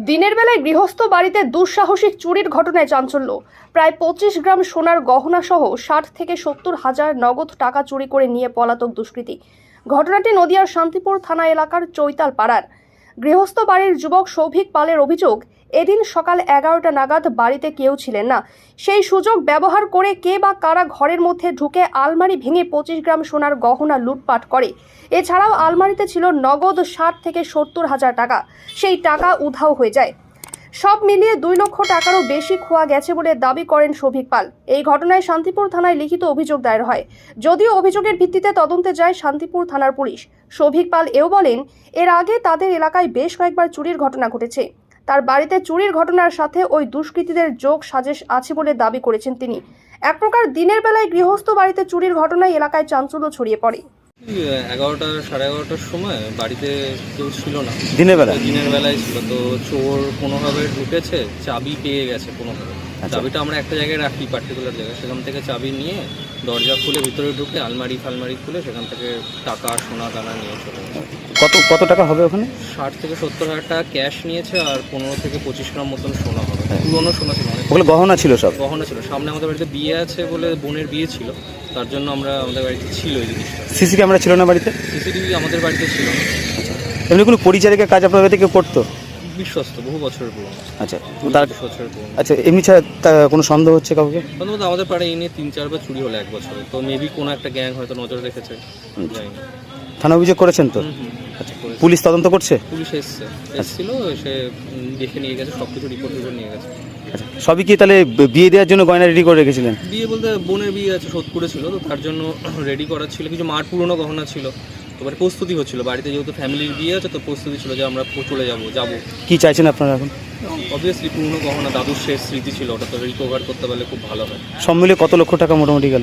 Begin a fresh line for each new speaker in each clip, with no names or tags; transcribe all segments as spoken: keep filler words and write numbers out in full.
দিনের বেলায় গৃহস্থ বাড়িতে দুঃসাহসিক চুরির ঘটনায় চাঞ্চল্য। প্রায় পঁচিশ গ্রাম সোনার গহনা সহ ষাট থেকে সত্তর হাজার নগদ টাকা চুরি করে নিয়ে পলাতক দুষ্কৃতী। ঘটনাটি নদিয়ার শান্তিপুর থানা এলাকার চৈতাল পাড়ার। গৃহস্থ বাড়ির যুবক সৌভিক পালের অভিযোগ, এদিন সকাল এগারোটা নাগাদ বাড়িতে কেউ ছিলেন না। সেই সুযোগ ব্যবহার করে কে বা কারা ঘরের মধ্যে ঢুকে আলমারি ভেঙে পঁচিশ গ্রাম সোনার গহনা লুটপাট করে। এছাড়াও আলমারিতে ছিল নগদ ষাট থেকে সত্তর হাজার টাকা। সেই টাকা উধাও হয়ে যায়। সব মিলিয়ে দুই লক্ষ টাকারও বেশি খোয়া গেছে বলে দাবি করেন সৌভিক পাল। এই ঘটনায় শান্তিপুর থানায় লিখিত অভিযোগ দায়ের হয়। যদিও অভিযোগের ভিত্তিতে তদন্তে যায় শান্তিপুর থানার পুলিশ। সৌভিক পাল এও বলেন, এর আগে তাদের এলাকায় বেশ কয়েকবার চুরির ঘটনা ঘটেছে। তার বাড়িতে চুরির ঘটনার সাথে ওই দুষ্কৃতীদের যোগ সাজেশ আছে বলে দাবি করেছেন তিনি। এক প্রকার দিনের বেলায় গৃহস্থ বাড়িতে চুরির ঘটনায় এলাকায় চাঞ্চল্য ছড়িয়ে পড়ে।
এগারোটা সাড়ে এগারোটার সময় বাড়িতে কেউ ছিল না।
দিনের বেলা
দিনের বেলায় ছিল তো চোর কোনোভাবে ঢুকেছে, চাবি পেয়ে গেছে কোনোভাবে। চাবিটা আমরা একটা জায়গায় রাখি, পার্টিকুলার জায়গায়, সেখান থেকে চাবি নিয়ে দরজা খুলে ভিতরে ঢুকে আলমারি ফালমারি খুলে সেখান থেকে টাকা সোনা দানা নিয়ে চলে গেছে।
কত কত টাকা হবে ওখানে?
ষাট থেকে সত্তর হাজার টাকা ক্যাশ নিয়েছে আর পনেরো থেকে পঁচিশ গ্রাম মতন সোনা হবে। পুরোনো সোনা ছিল,
ওগুলো গহনা ছিল, সব
গহনা ছিল। সামনে আমাদের বাড়িতে বিয়ে আছে বলে বোনের বিয়ে ছিল, তার জন্য আমরা আমাদের বাড়িতে ছিল এই জিনিসটা।
সিসি ক্যামেরা ছিল না বাড়িতে?
সিসিটিভি আমাদের বাড়িতে ছিল না।
এমনি কোনো পরিচারিকা কাজ আপনার বাড়িতে কেউ করতো?
বিশ্বস্ত, বহু বছরের পুরনো।
আচ্ছা, তার
বছরের পুরনো।
আচ্ছা, এমনি ছাড়া তা- কোনো সন্দেহ হচ্ছে কাউকে?
প্রথমত আমাদের পাড়ায় এই নিয়ে তিন চারবার চুরি হলো এক বছরে, তো মেবি কোনো একটা গ্যাং হয়তো নজর রেখেছে, জানি না।
থানা অভিযোগ করেছেন তো?
হুম, হুম,
আচ্ছা,
করেছে।
পুলিশ তদন্ত করছে?
পুলিশ এসছে, এসেছিল, এসে উম, দেখে নিয়ে গেছে, সব কিছু রিপোর্ট রিপোর্ট নিয়ে গেছে।
আচ্ছা, সবই কি তাহলে বিয়ে দেওয়ার জন্য গয়না রেডি করে রেখেছিলেন?
বিয়ে বলতে বোনের বিয়ে আছে, সোদপুরে ছিল, তো তার জন্য রেডি করা ছিল। কিছু মার পুরনো গহনা ছিল, এবারে প্রস্তুতি হচ্ছিল বাড়িতে, যেহেতু ফ্যামিলির বিয়ে আছে, তো প্রস্তুতি ছিল যে আমরা চলে যাবো যাবো
কি চাইছেন আপনারা এখন?
অবভিয়াসলি পুরনো গহনা, দাদুর শেষ স্মৃতি ছিল, ওটা তো রিকভার করতে পারলে খুব ভালো হয়।
সব মিলে কত লক্ষ টাকা মোটামুটি গেল?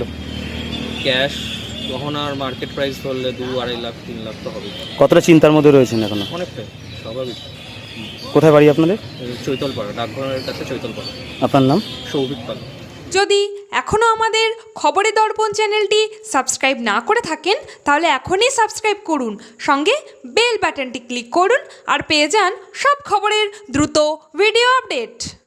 ক্যাশ গহনার মার্কেট প্রাইস ধরলে দু আড়াই লাখ তিন লাখ তো হবে।
কতটা চিন্তার মধ্যে রয়েছেন এখনো?
অনেকটাই, স্বাভাবিক।
কোথায় বাড়ি আপনাদের?
চৈতলপাড়া, ডাকঘরের কাছে চৈতলপাড়া।
আপনার নাম?
সৌভিক পাল।
যদি এখনও আমাদের খবরের দর্পণ চ্যানেলটি সাবস্ক্রাইব না করে থাকেন, তাহলে এখনই সাবস্ক্রাইব করুন, সঙ্গে বেল বাটনটি ক্লিক করুন আর পেয়ে যান সব খবরের দ্রুত ভিডিও আপডেট।